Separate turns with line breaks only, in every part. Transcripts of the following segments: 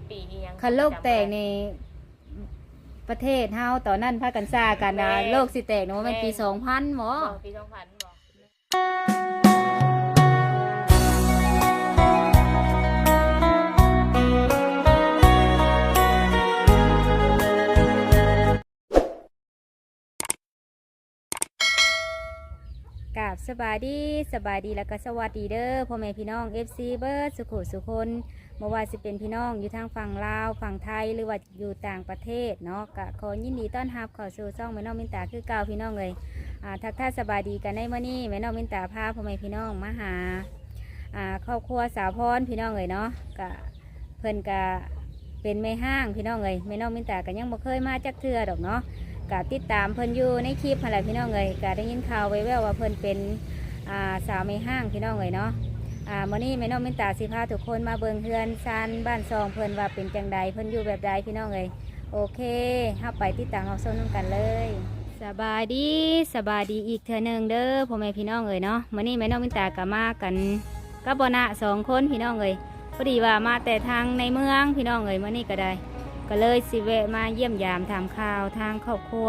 ปีอีหยัง
คันโลกแตกในประเทศเฮาตอนนั้นพากันซ่ากันนะโลกสิแตกเนาะมันปี2000หมอ
ปี2000บ่
กราบสบายดีแล้วก็สวัสดีเด้อพ่อแม่พี่น้อง FC เบิร์ดสุขุสุคนบ่ว่าสิเป็นพี่น้องอยู่ทางฝั่งลาวฝั่งไทยหรือว่าอยู่ต่างประเทศเนาะก็ขอยินดีต้อนรับเข้าสู่ช่องแม่น้องมินตาคือเก่าพี่น้องเลยทักทายสบายดีกันในมื้อนี้แม่น้องมินตาพาพ่อแม่พี่น้องมาหาครอบครัวสาวพรพี่น้องเลยเนาะก็เพิ่นก็เป็นแม่ห้างพี่น้องเลยแม่น้องมินตาก็ยังบ่เคยมาจักเทื่อดอกเนาะก็ติดตามเพิ่นอยู่ในคลิปอะไรพี่น้องเลยก็ได้ยินข่าวไว้แววว่าเพิ่นเป็นสาวแม่ห้างพี่น้องเลยเนาะมื้อนี้แม่น้องมินตาสิพาทุกคนมาเบิ่งเฮือนซานบ้านซองเพิ่นว่าเป็นจังใดเพิ่นอยู่แบบใดพี่น้องเลยโอเคเฮาไปติดตามรับชมกันเลยสบายดีอีกเทื่อนึงเด้อพ่อแม่พี่น้องเลยเนาะมื้อนี้แม่น้องมินตาก็มากันกับบ่นะ2คนพี่น้องเลยพอดีว่ามาแต่ทางในเมืองพี่น้องเลยมื้อนี้ก็ได้ก็เลยสิแวะมาเยี่ยมยามถามข่าวทางครอบครัว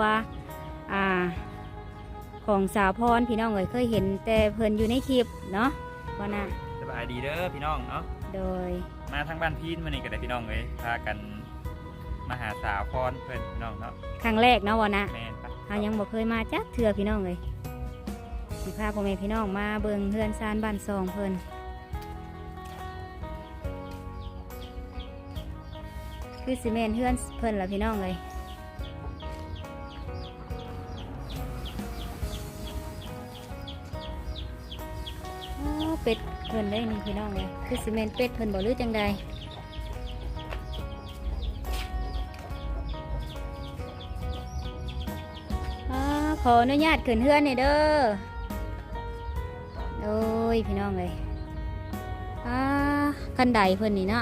ของสาวพรพี่น้องเคยเห็นแต่เพิ่นอยู่ในคลิปเนาะว่าน่ะ
สบายดีเด้อพี่น้องเนาะ
โดย
มาทางบ้านพีนมานี่ก็ได้พี่น้องเลยพากันมาหาสาวพรเพื่อนพี่น้องเนาะ
ครั้งแรกเนาะว่าน่ะ
แม่นปะ
เฮายังบ่เคยมาจักเทื่อพี่น้องเลยสิพาพ่อแม่พี่น้องมาเบิ่งเฮือนซานบ้านซองเพิ่นคือซีเมนเฮือนเพิ่นล่ะพี่น้องเลยเป็ดเพิ่นได้นี่พี่น้องเลยคือซีเมนเป็ดเพิ่นบ่รู้จังใดขออนุญาตขึ้นเฮือนนี่เด้อโอ้ยพี่น้องเลยคันไดเพิ่นนี่เนาะ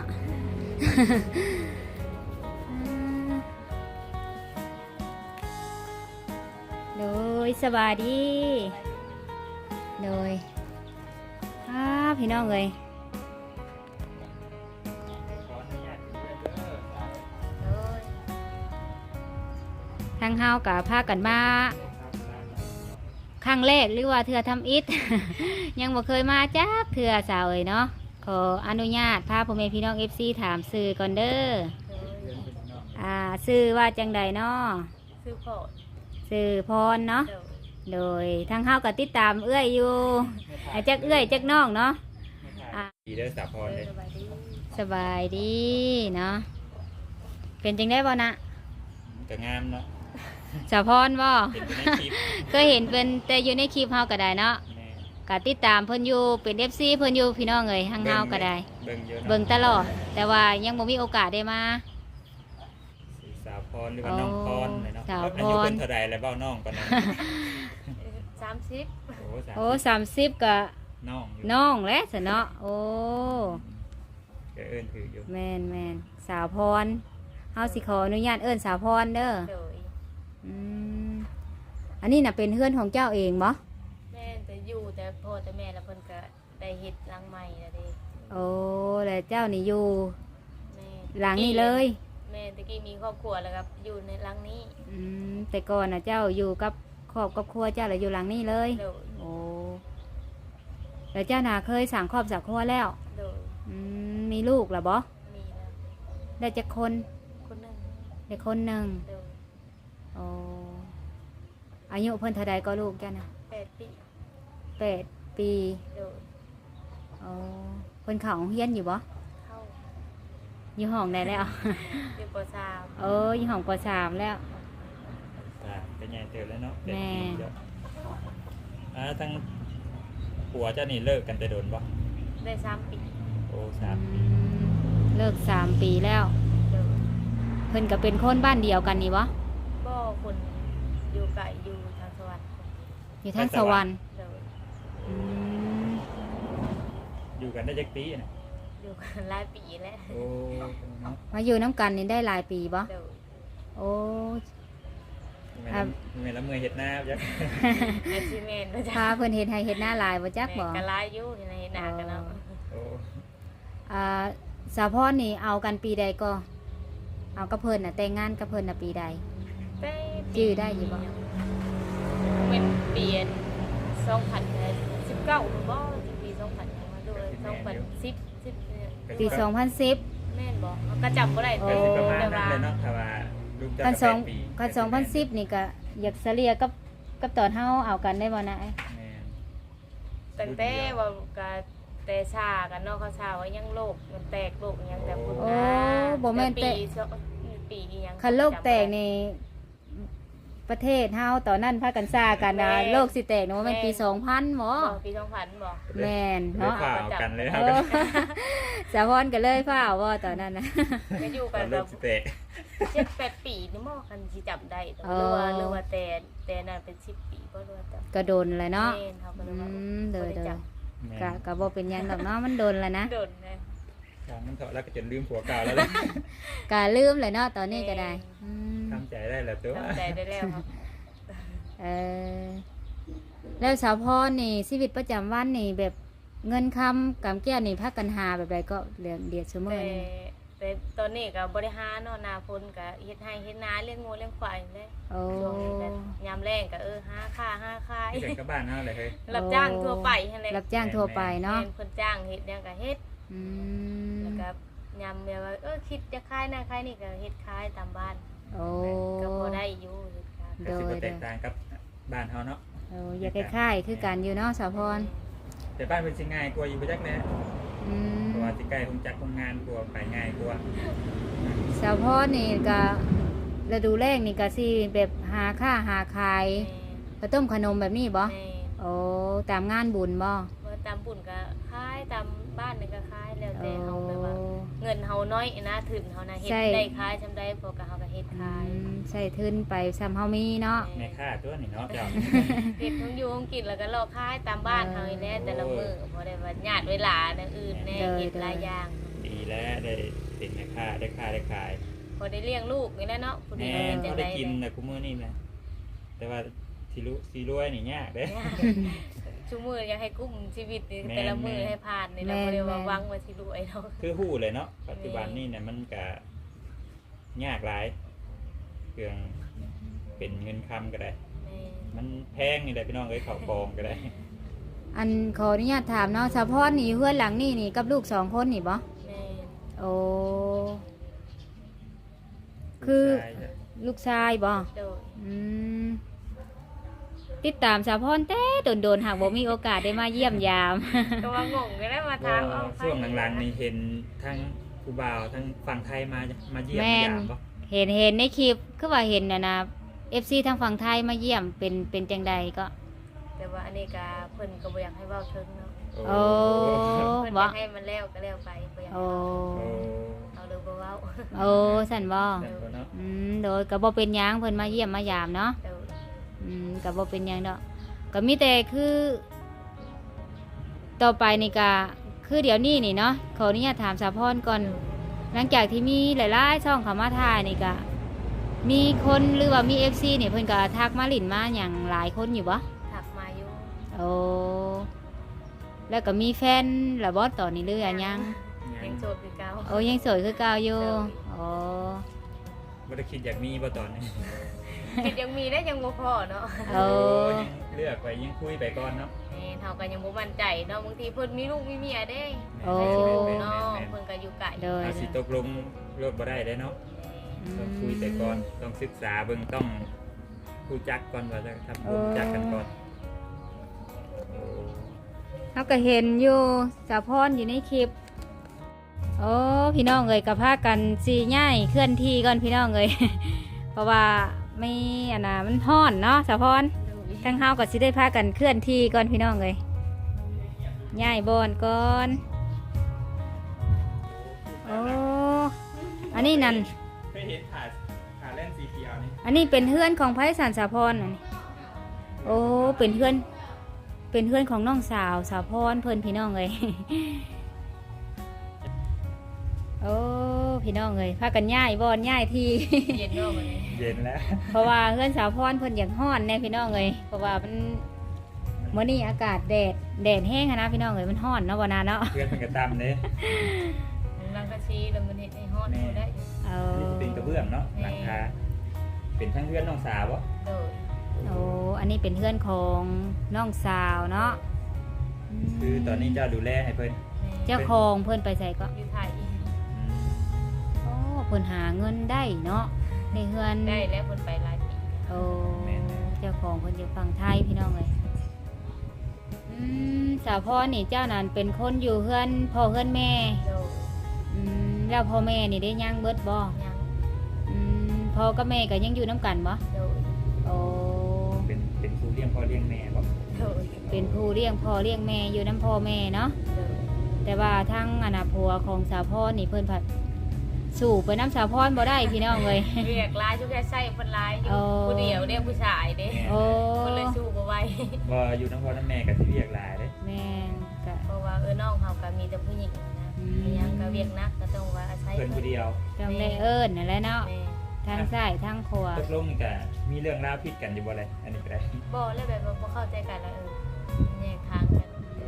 โดยสบายดีโดยพี่น้องเลยทางเฮากับพากันมาครั้งแรกหรือว่าเถื่อทำอิฐ ยังบ่เคยมาจ้าเถื่อสาวเอ๋ยเนาะขออนุญาตพาพ่อแม่พี่น้อง FC ถามสื่อก่อนเด้อสื่อว่าจังใดเนาะสื่อพรเนาะโดยทางเฮาก็ติดตามเอื้อยอยู่จักเอื้อยจักน้องเนาะ
ดีเด้อสาวพรเลย
สบายดีเนาะเป็นจังได้บ่นะ
ก็งามเนาะ
สาวพรบ่เคยเห็นเป็นแต่อยู่ในคลิปเฮาก็ได้เนาะก็ติดตามเพิ่นอยู่เป็น FC เพิ่นอยู่พี่น้องเอ้ยทางเฮาก็ได้เบิ่งตลอดแต่ว่ายังบ่มีโอกาสได้มา
สาวพรหรือว่าน้องพรเลยเนาะอายุเพิ่นเท่าใดแล้วเบ้าน้องก่อนนะ
30
โอ้30ก็น้องแหละซะเนาะโอ้
ก็เอิ้นถืออยู่
แม่นสาวพรเฮาสิขออนุญาตเอิ้นสาวพรเด้ออันนี้น่ะเป็นเฮือนของเจ้าเองบ่
แม่แต่อยู่แต่พ่อแต่แม่แล้วเพิ่นก็ได้เฮ็ดหลังใหม่แล้วเด้
โอ้แล้วเจ้านี่อยู่หลังนี้เลย
แม่ตะกี้มีครอบครัวแล้วครับอยู่ในหลังนี้
แต่ก่อนน่ะเจ้าอยู่กับครอบครัวเจ้าแล้วอยู่หลังนี้เลยโอ้แล้วเจ้าน่ะเคยสั่งครอบครัวแล้วมีลูกหรอบ่
มีแล้ว
ได้จักคน
นึง
ได้คนนึงโอ้อายุเพิ่นเท่าใดก็ลูกจ้ะนะ
8 ปี
8 ปีโอ้เพิ่นเข้าโรงเรียนอยู่บ่
เข้า
อยู่ห้องได้แล้ว
อยู่ป.3
อยู่ห้องป.3แล้ว
เป็นใหญ่เติบแล้วเนาะแม่ทั้งผัวเจ้านี่เลิกกันแต่โดนบ่
ได้3 ปี
โอ้3 ปี
เลิก3 ปีแล้วเพิ่นก็เป็นคนบ้านเดียวกันนี่บ่
คนอยู่ไกลอยู่ทางสวรรค์
อยู่ทางสวรรค์
อยู่กันได้จักปีน่ะ
อยู่กันหลายปีแล้ว
โอ้
มาอยู่น้ำกันนี่ได้หลายปีบ่โอ้
แม่ละเมื่อเฮ็ดหน้าจัก
อาชีพแม่น
พาเพิ่นเฮ็ดให้เฮ็ดหน้าหลายบ่จักบ่
ก็หลายอยู่เฮ็ดหน้ากันเนาะ
โอ้
สาวพรนี่เอากันปีใดก็เอากับเพิ่นน่ะแต่งงานกับเพิ่นน่ะปีใด
แต่
ชื่อได้อยู่บ่
เป็นเปลี่ยน2019บ่ปี2000มาด้วย2010
ปี 2010
แม่นบ่ก็จำบ่ได้
โอ้
ก็
แต่
สิประมาณนั้นเลยเนาะถ้าว่าลูกเจ้า
กัน
ก็
สอง
8ปี
กัน2010นี่ก็อยากเสลียกับตอนเฮาเอากันได้บ่นะ
แม่น
ตั้งแต่ว่าก็แต่ชากันเนาะเขาชาว่ายังโลกมันแตกโลกยังแต่พุ่น
โอ้
นะ
บ่แม่นแต่
ปีอีหยัง
คันโลกแตกนี่ประเทศเฮาตอนนั้นพากันซ่ากันนะโลกสิแตกเนาะมันปี 2000บ่
บ่ปี2000บ่
แม่น
เนาะ
เนาะ
ข่าวกันเลยค
เอ
รับ
อสาวพรก็เลยฟ้าวบ่ตอนนั้นนะ
ก็อยู่
ต
กั
อน น
แบ
ลู
บ
กสิเตะ
7-8 ปีนี่บ่คันสิจำได้
อ๋อ
หรือว่าแต่นั่นเป็น10 ปีบ่รู้ว่าจำ
ก็โดนเลยเนาะ
แม่นเขาก็เล
อื
ยว่าม
เด้อ
บ่ได้
เด้อ
จ
แม่
ก็บ่เป็นหยังดอกเนาะมันโดนแล้วนะ
ำโดนนะ
ทางมันเถาะแล้วก็จนลืมผัวเก่าแล้วเลย
ก็ลืมเลยเนาะตอนนี้ก็ได้อืม
ทำใจได้แล้วตัว
จำใจได้แล้วครับ
เออแล้วสาวพรนี่ชีวิตประจำวันนี่แบบเงินคำกำแก้วนี่พักกันหาแบบใดก็เดือดชั่วโมง
แต่
นี่
แต่ตอนนี้ก็บริหารเนาะนาพลก็เฮ็ดให้เฮ็ดนาเลี้ยงงูเลี้ยงควายเลย
โอ้
ช่วงนี้ก็ยามแรงก็หาค่าหาขาย
ที่เด็กกับบ้านเฮาเลยเฮ้ย
รับจ้างทั่วไปนั่นแหละ
รับจ้างทั่วไปเนาะ
แม่เพิ่นจ้างเฮ็ดหยังก็เฮ็ด
อืม
แล้วก็ยามแบบว่าคิดจะขายนั่นขายนี่ก็เฮ็ดขายตามบ้าน
โอ้
ก็พอได้อยู่เฮ็ดขาย
ก็สิบ่แตกต่างกับบ้านเฮาเนาะ
โอ้อยากคล้ายๆคือกันอยู่เนาะสาวพร
แต่บ้านเป็นสิง่ายกว่าอยู่บ่จักแน่
อืม
เพราะว่าสิใกล้คงจักโรงงานกว่าไปง่ายกว่า
สาวพรนี่ก็ฤดูแรกนี่ก็สิแบบหาค่าหาขายข้าวต้มขนมแบบนี้บ่
แม่
โอ้ตามงานบุญบ่
ว่าตามบุญก็ขายตามบ้านนี่ก็ขายแล้วแต่เฮาแบบว่า เงินเฮาน้อยนะถึงเฮานะเฮ็ดได้ขายจำได้พอกับเฮาก็เฮ็ดขาย
ใส่ทุนไปซ้ำเฮามีเนาะ
แม่ค่าตัวนี่เนาะเจ้า
เฮ็ดทั้งอยู่ทั้งกินแล้วก็รอขายตามบ้านเฮานี่แหละแต่ละมื้อบ่ได้ว่าญาติเวลาแนวอื่นแน่เฮ็ดหลายอย่าง
ดีแล้วได้เป็นแม่ค่าได้ค่าได้ขาย
บ่ได้เลี้ยงลูกนี่แหละเนาะผู้ดี
แม่
เป็นจั
เขา
ง
ได้
ได๋
กินนะกูมื้อนี่แหละแต่ว่าสิรวยนี่ยากเด้
ชุมื้ออยากให้กุ้มชีวิตนี่
แม่
แต่ละมื้อให้ผ่านนี่แหละบ่ได้ว่าหวังว่าสิรวยเนาะ
คือฮู้เลยเนาะปัจจุบันนี่เนี่ยมันก็ยากหลายเครื่องเป็นเงินคำก็ได้
แม่
มันแพงนี่แหละพี่น้องเอ้ยข้าวกองก็ได้
อันขออนุญาตถามเนาะสาวพรนี่เฮือนหลังนี่นี่กับลูก2คนนี่บ่
แม่
โอ้คือ
ใช่จ้ะ
ลูกชายบ่
โดย
อืมติดตามสาวพรแต่โดนๆหากบ่มีโอกาสได้มาเยี่ยมยาม
ก็ว่างงก็ได้มาถามเอา
ช่วงหลังๆนี่เห็นทั้งผู้บ่าวทั้งฝั่งไทยมาเยี่ยม
แม่
มาน ยามบ่
เห็นในคลิปคือว่าเห็นนะ FC ทางฝั่งไทยมาเยี่ยมเป็นจังใดก็
แต่ว่าอันนี้ก็เพิ่นก็บ่อยากให้เว้าถึงเนาะ
โอ้
เพิ่นอ
บ่
ยากให้มันแล้วก็แล้วไปบ่อยาก
โอ้
โอ้
เอาเลยบ่เว้า
โอ้สั่นบ่
นั่นบ่เนาะ
โดยก็บ่เป็นหยังเพิ่นมาเยี่ยมมายามเนาะ
เดี๋ยว
ก็บ่เป็นหยังดอกก็มีแต่คือ ต่อไปนี่ก็คือเดี๋ยวนี้นี่เนาะขออนุญาตถามสาวพรก่อน หลังจากที่มีหลายๆช่องเข้ามาถ่ายนี่ก็มีคนหรือว่ามี FC นี่เพิ่นก็ทักมาหลินมาหยังหลายคนอยู่บ่
ถักมาอยู่
โอ้แล้วก็มีแฟนละบ่ตอนนี้หรือยัง
ยังโสดคือเก่า
โอ้ยังโสดคือเก่าอยู่โอ้
บ่ได้คิดอยากมีบ่ตอนนี้
คิดยังมีได้ยังบ่พอเนาะ
โอ้
ยังเลือกไปยังคุยไปก่อนเนาะ
แม่นเฮาก็ยังบ่มั่นใจเนาะบางทีเพิ่นมีลูกมีเมียเด้
โอ้
ไปสิรู้เนาะเพิ่นก็อยู่ไกล
โดย
เอาสิตกลงรถบ่ได้เด้เนาะต้องคุยแต่ก่อนต้องศึกษาเบิ่งต้องรู้จักก่อนว่าจะทำรู้จักกันก่อนโอ้
เขาก็เห็นอยู่สาวพรอยู่ในคลิป โอ้พี่น้องเอ้ยกับพากันสีง่ายเคลื่อนที่ก่อนพี่น้องเอ้ย เพราะว่าไม่อันน่ะมันฮ้อนเนาะสาวพรทั้งเฮาก็สิได้พากันเคลื่อนที่ก่อนพี่น้องเอ้ยง่ายบอนก่อนโอ้อันนี้นั่น
เคยเห็นขาเล่นสีเขียวนี่
อันนี้เป็นเพื่อนของไพศาลสาวพรอันนี้โอ้เป็นเพื่อนของน้องสาวสาวพรเพิ่นพี่น้องเอ้ย โอ้พี่น้องเอ้ยพากันย่ายบอนย่ายที่
เย็นเนาะวันนี้
เย็นแล้ว
เพราะว่าเพื่อนสาวพรเพิ่นอยากฮ้อนแน่พี่น้องเอ้ยเพราะว่ามันมื้อนี้อากาศแดดแห้งอะนะพี่น้องเอ้ยมันฮ้อนเนาะบ่นานเนาะ
เพื่อนเป็นกระตำเลย
หลังก็ซีแล้วมันเฮ็ดให้ฮอดบ่ได้
เอา
อันนี้สิเป็นกระเบื้องเนาะหลังคาเป็นทั้งเพื่อนน้องสาวบ่
โดย
โอ้อันนี้เป็นเพื่อนของน้องสาวเนาะ
คือตอนนี้เจ้าดูแลให้เพิ่น
เจ้าของเพิ่นไปใส่ก็
อยู่ไทย
โอ้เพิ่นหาเงินได้เนาะในเฮือน
ได้แล้วเพิ่นไปหลายปี
โอ้เจ้าของเพิ่นอยู่ฝั่งไทยพี่น้องเลยสาวพ่อนี่เจ้านั่นเป็นคนอยู่เฮือนพ่อเฮือนแม่
โดย
แล้วพ่อแม่นี่ได้ย่างเบิดบ่
ยัง
พ่อกับแม่ก็ยังอยู่น้ำกันบ่
โดย
โอ้
เป็นผู้เลี้ยงพ่อเลี้ยงแม่บ่
โดย
เป็นผู้เลี้ยงพ่อเลี้ยงแม่อยู่น้ำพ่อแม่เนาะ
โดย
แต่ว่าทั้งอนาผัวของสาวพ่อนี่เพิ่นผัดสู่ไปน้ำสาวพรบ่ได้พี่น้องเลย
เรียกหลายชุกแค่ใส่เพิ่นหลายอยู่
โอ้
ผู้เดียวเด้ผู้ชายเด้
โอ้
เพิ่นเลยสู้บ่ไหว
บ่อยู่น้ำพ่อน้ำแม่ก็สิเรียกหลายเด้
แม่นก็
เพราะว่าน้องเฮาก็มีแต่ผู้หญิงนะ
อืม
ยังก็เวียกนักก็ต้องว่าอาศัย
เพิ่นผู้เดียว
ต้องได้เอิ้นนั่นแหละเนาะ
แม่
ทางซ้ายทางขวา
ตกลงนี่ก็มีเรื่องราวผิดกันอยู่บ่เลยอันนี้ก็ได้
บ่แล้วแบบว่าบ่เข้าใจกันแล้วแยกทางกัน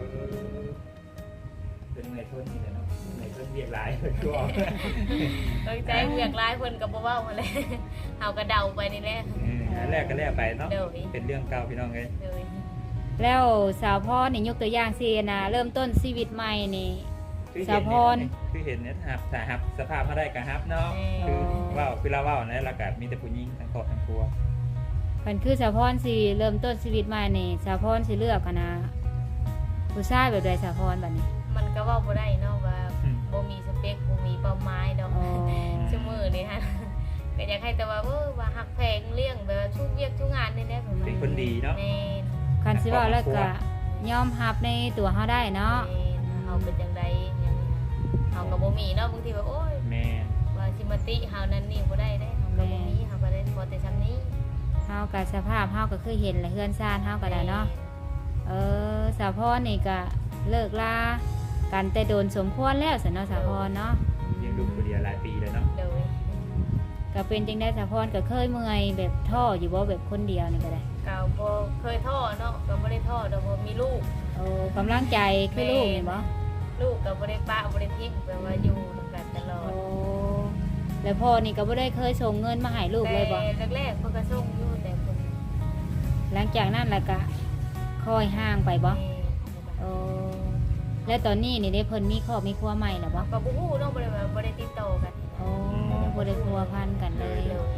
เป็นเมื่อยทนนี่แหละเนาะเมื่อยทนเรียกหลายเพิ่นก็
ตั้งใจเวียกหลายเพิ่นก็บ่เว้ามาเลย เฮาก็เดาไปนี่แหละ
อันแรกก็แล้วไปเนาะ
เดี๋ยว
เป็นเรื่องเก่าพี่น้องเอ้ย
เลย
แล้วสาวพ่อนี่ยกตัวอย่างสินะเริ่มต้นชีวิตใหม่นี่ สาวพร
คือเห็นเนี่ยครับถ้าฮับสภาพมาได้ก็ฮับเนาะ คือเว้าคือเราเว้านะแล้วก็มีแต่ผู้หญิงทั้งครอบทั้งครัว
มันคือสาวพรสิเริ่มต้นชีวิตใหม่นี่สาวพรสิเลือกกันนะผู้ชายแบบใดสาวพรบัดนี้
มันก็เว้าบ่ได้เนาะว่าบ่มีสเปคบ่มีเป้าหมายดอก
อ๋อ
ชั่วมือนี่ฮะ ก็อยากให้แต่ว่าว่าหักแพงเลี้ยงแบบว่าทุกเวียกทุกงานนี่แหละ
เป็นคนดีเนาะ
แม่น
คันสิเว่าแล้วก็ยอมรับในตัวเฮาได้เนาะ
แม่นเฮาเป็นจังได๋อย่างนี้นะเฮาก็บ่มีเนาะบางทีว่าโอ้ย
แม่
ว่าสิมาติเฮานั่นนี่บ่ได้เด้เฮาก็บ่มีเฮาก็ได้พอแต่ซำนี้
เฮากับสภาพเฮาก็คือเห็นและเฮือนซ่านเฮาก็ได้เนาะสาวพรนี่ก็เลิกลากันแต่โดนสมควรแล้วสันเนาะสาวพรเนาะ
เลี้ยงลูกคนเดียวหลายปีแล้วเนาะ
โดย
ก็เป็นจังได้สาวพรก็เคยเมื่อยแบบท้ออยู่บ่แบบคนเดียวนี่ก็ได้
ก็บ่เคยท้อเนาะก็บ่ได้ท้อดอกบ่มีลูก
โอ้กำลังใจคือลูกนี่บ่
ลูกก็บ่ได้ปะบ่ได้ทิ้งแปลว่าอยู่กันตลอ
โอ้
ด
แล้วพ่อนี่ก็บ่ได้เคยส่งเงินมาให้ลูกเลยบ่
แต่แรกๆเพิ่นก็ส่งอยู่แต่เพิ่น
หลังจากนั้นแล้วก็ค่อยห่างไปบ่
แม่
โอ้แล้วตอนนี้นี่ได้เพิ่นมีครอบมีครัวใหม่แล้วบ่
ก็บ่ฮู้เนาะบ่ได้ว่าบ่ได้ติดต่อกัน
โอ้ยังบ่ได้พัวพันกันเลย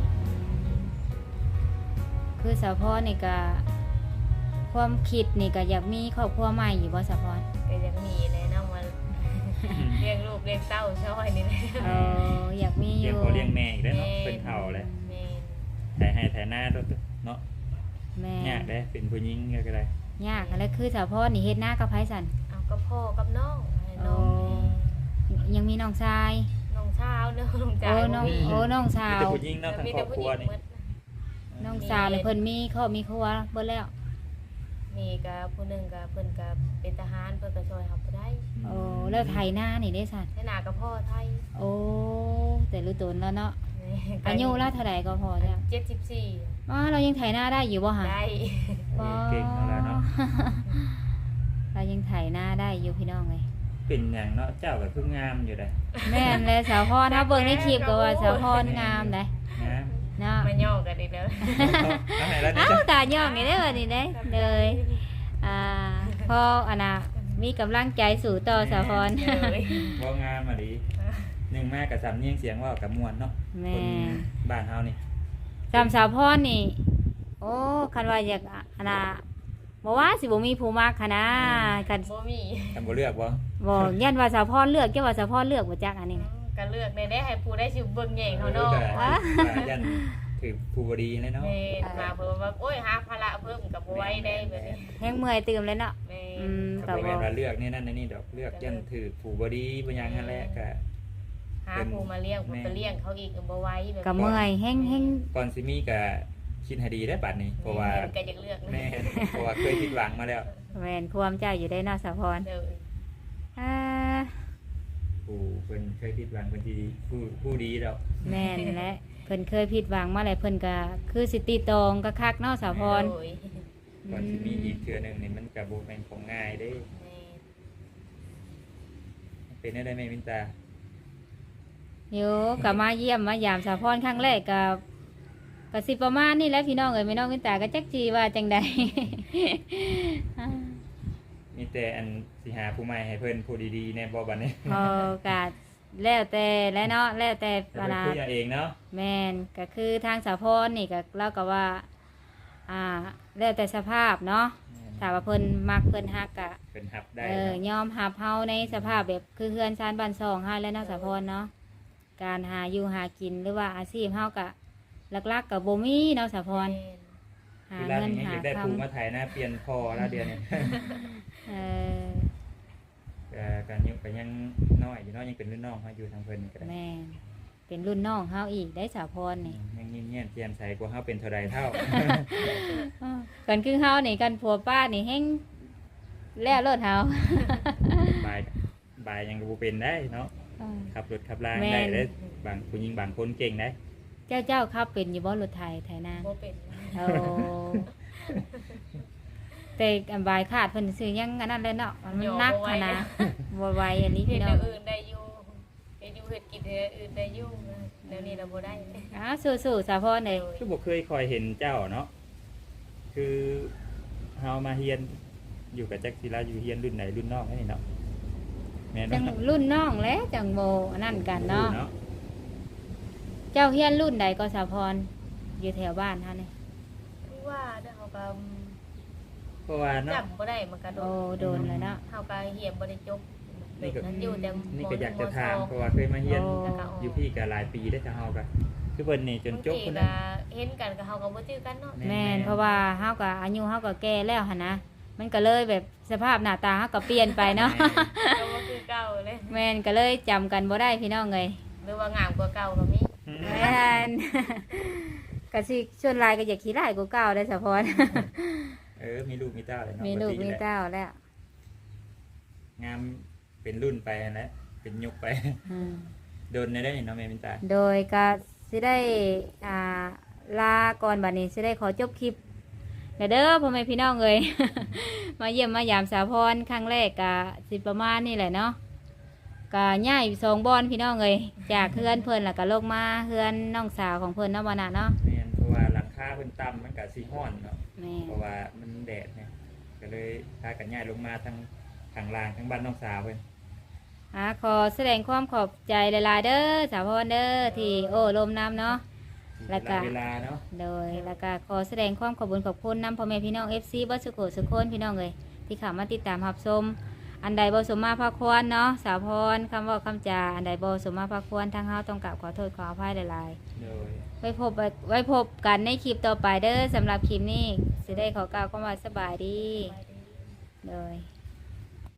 คือสาวพรนี่ก็ความคิดนี่ก็อยากมีครอบครัวใหม่อยู่บ่สาวพร
ก็ยังมีเลยเนาะมาเลี้ยงลูกเลี้ยงเต้าช่วยนี่แหละ
อยากมีอ
เลี้ยง
ยู่
พ่อเลี้ยงแม่อีกแล้วเนาะเป็นเฒ่าเลย
แม่
ถ่ายให้ถ่ายหน้าเนาะ
แม่
ยากเด้เป็นผู้หญิงก็ได้
ยากแล้วคือสาวพรนี่เฮ็ดหน้ากับไผสัน
เอากับพ่อกับน้องให้น้อง
ยังมีน้องชาย
น้องเช้าเนาะน้อง
โอ้
จ่าย
น้องโอ้น้องสา
มี
ว
แต่ผู้หญิงเนาะทั้ง
มี
คร
แต่
อบ
ผู้
ค
ห
รัว
ญิง
นี่
หมด
น้องสาวเลยเพิ่นมีครอบมีครัวเบิดแล้ว
มีกับผู้หนึงกับเพิ่นกับเป็นทหารเพิ่นก็ช่วยเฮาบ่ได้
โอ้แล้วไถนานี่ได้สัน
ให้หน้ากับพ่อไทย
โอ้แต่รู้ตนแล้วเนาะ
นี่
อายุละเท่าไหร่ก็พอจ้ะ
74
อ๋อเรายังไถนาได้อยู่บ่ฮะ
ได้
เก่งเอาแล้วเนาะ
เรายังไถนาได้อยู่พี่น้องเลย
เป็นอย่างเนาะเจ้าก็เพิ่งงามอยู่ได้
แม่นเลยสาวพรถ้าเบิ่งในคลิปก็ว่าสาวพรงามเลย
งาม
เนาะ
มาย่อกันอีกแล้ว
เอาไหนแล้วนี่
อ้าว
จ้ะ
ตาย่องนี่ได้อวันนี้ได้เลยพ่ออันน่ะมีกำลังใจสู่ต่อสาวพร
เลย
บ่งามอ่ะดิหนึ่งแม่กับสำเนียงเสียงเว่ากับมวลเนาะ
แม่
คนบ้านเฮานี่
จำสาวพรนี่ โอ้คันว่าอยากอันน่ะบอกว่าสิบ่มีผู้มักค่ะนะกัน
บ่มี
ทำบ่เลือกบ่
บอกยันว่าสาวพรเลือกเจ้าว่าสาวพรเลือกบ่จักอันนี้นะ
ก็เลือกได้ให้ผู้ได้ชิเบิ่งแย่งเขาเนาะ
ก็ยันถือผู้บดีเลยเนาะ
แม่มาเพิ่มว่าโอ้ยหาภาระเพิ่มกับบ่ไหว้ได้แบบนี้
แห้งเมื่อยตื่มเลยเนาะ
แม่
ก็บ่แม่นว่าเลือกนี่นั่นนี่ดอกเลือกยันถือผู้บดีบ่หยังนั่นแหละก็
หาผู้มาเลี้ยงผู้ก็เลี้ยงเขาอีกก็บ่ไหว้แบบ
กับเมื่อยแห้ง
ก่อนสิมีก็คิดให้ดีได้บัดนี้เพราะว่า
ก็อยากเลือก
แม่เพราะว่าเคยผิดหวังมาแล้ว
แม่นความเจ้าอยู่ได้เนาะสาวพร
เด้อ
อ่า
ผู้เพิ่นเคยผิดหวังเพิ่นสิผู้ดีแล้ว
แม่นและเพิ่นเคยผิดหวังมาแล้วเพิ่นก็คือสิติตองก็คักเนาะสาวพร
โอ้ย
ก่อนสิมีอีกเทื่อหนึงนี่มันก็บ่แม่นของง่ายเด้
แม่
เป็นได้แม่มินตา
โยก็มาเยี่ยมมายามสาพรครั้งแรกก็สิประมาณนี่แหละพี่น้องเอ้ยแม่น้องมินตาก็จักจีว่าจังใด
มีแต่อันสิหาผู้ใหม่ให้เพิ่นผู้ดีๆแน่บ่บัดนี้
พอกาแล้วแต่และเนาะแล้วแต่
แต่
เว
เพิ่น
ลา
คุยเอาเองเนาะ
แม่นก็คือทางสาพรนี่ก็เล่าก็ว่า แล้วแต่สภาพเนาะถ้าว่าเพิ่นมักเพิ่นฮักกะ
เพิ่นรับได้
ยอมหับเฮาในสภาพแบบคือเฮือนซานบ้านซองเฮาแล้วเนาะสาพรเนาะการหาอยู่หากินหรือว่าอาชีพเฮากะหลักๆกับบ่มีเนาะสาพรหา
เวลา
เงิน
นี้
หา
อยากได้
ค
ผู้มาถ่ายหน้าเปลี่ยนพอแล้วเดือนนี้
ำ
ก็ยังน้อยอยู่เนาะยังเป็นรุ่นน้องเฮาอยู่ทางเพิ่นก็ได้
แม่นเป็นรุ่นน้องเฮาอีกได้สาพรนี่
ยังยิ้มแย้มแจ่มใสกว่าเฮาเป็นเท่าใดเท่า
กันคือเฮานี่กันผัวป้านี่แฮงแล้วรถเฮา
บายยังบ่เป็นได้เนาะขับรถขับราง
แม่น
ได้เด้บางผู้หญิงบางคนเก่งได้
เจ้าขับเป็นอยู่บ่รถไถไถนา
บ่เป็น
โอ้แต่อันบายขาดเพิ่นซื้อยังอันนั้นเลยเนาะมันนักขนาดบ่ไหวอันนี้
เฮ็
พี่
ด
น้
แน
อง
วอื่นได้อยู่เฮ็ดอยู่เฮ็ดกินเฮ็ดอื่นได้อยู่แนวนี้เราบ่ได้
สู้ๆสาพรเด้ย
คือบ่เคยคอยเห็นเจ้าเนาะคือเฮามาเฮียนอยู่กับจักศิลาอยู่เฮียนรุ่นไหนรุ่นน้องนี่เนาะแม่น
จัง
เนาะ
รุ่นน้องแล้วจังโมอันนั่นกันเนาะ
เนาะ
เจ้าเฮียนรุ่นใดก็สาพรอยู่แถวบ้านเฮานี่
ว่าเด้อเฮาก็
เพราะว่าเนาะ
จำบ่ได้มันก็โด
โอ้
น
โดนแล้วเนาะ
เฮาก็เฮียนบ่ได้จบ
นี่ก็
นั้นอยู่แต่
นี่ก็อยากจะถามเพราะว่าเคยมาเฮียน
โอ้
อยู่พี่ก็หลายปีได้อถ้าเฮาก็คือเพิ่นนี่จนจบ
ค
พุ่น
น
น่ะ
เห็นกันก็เฮาก็บ่จื้อกันเนาะ
แม่นเพราะว่าเฮาก็อายุเฮาก็แก่แล้วหั่นนะมันก็เลยแบบสภาพหน้าตาเฮาก็เปลี่ยนไปเนาะ
ก็บ่คือเก่าเลย
แม่นก็เลยจำกันบ่ได้พี่น้องเลย
หรือว่างามกว่าเก่าก็มี
แม่น ก็สิส่วนหลายก็อยากขี้ร้ายกว่าเก่าได้อสะพร
มีลูกมีเต้าเลยเนาะ
มีลูก
ปติ
มี
แหละ
เต้าแล้ว
งามเป็นรุ่นไปนั่นแหละเป็นยุคไป
อืม
โดนได้เนาะแม่มินตา
โดยก็สิได้ลาก่อนบัดนี้สิได้ขอจบคลิปเด้อพ่อแม่พี่น้องเอ้ย มาเยี่ยมมายามสาพรครั้งแรกก็สิประมาณนี่แหละเนาะก็ย้ายสองบอนพี่น้องเอ้ยจากเฮือนเพิ่นแล้วก็ลงมาเฮือนน้องสาวของเพิ่นเนาะบ่น่ะเนาะ
แม่นเพราะว่าหลังคาเพิ่นต่ำมันก็สิฮ้อนเนาะ
แม่
เพราะว่ามันแดดเนี่ยก็เลยพากันย้ายลงมาทั้งข้างล่างทั้งบ้านน้องสาวเพิ่น
ขอแสดงความขอบใจหลายๆเด้อสาพรเด้อที่โอ้ลมน้ำเนาะ แล้วก็
เวลาเนาะ
โดยแล้วก็ขอแสดงความขอบคุณขอบคุณนำพ่อแม่พี่น้อง FC บัสสุโขสุคนพี่น้องเลยที่เข้ามาติดตามรับชมอันใดบ่สมมาภาควรเนาะสาวพรคำเว่าคำจาอันใดบ่สมมาภาควรทางเฮาต้องกราบขอโทษขออภัยหลาย
โดย
ๆไว้พบกันในคลิปต่อไปเด้อสำหรับคลิปนี้สิได้ขอกล่าวคำว่าสบายดีโดย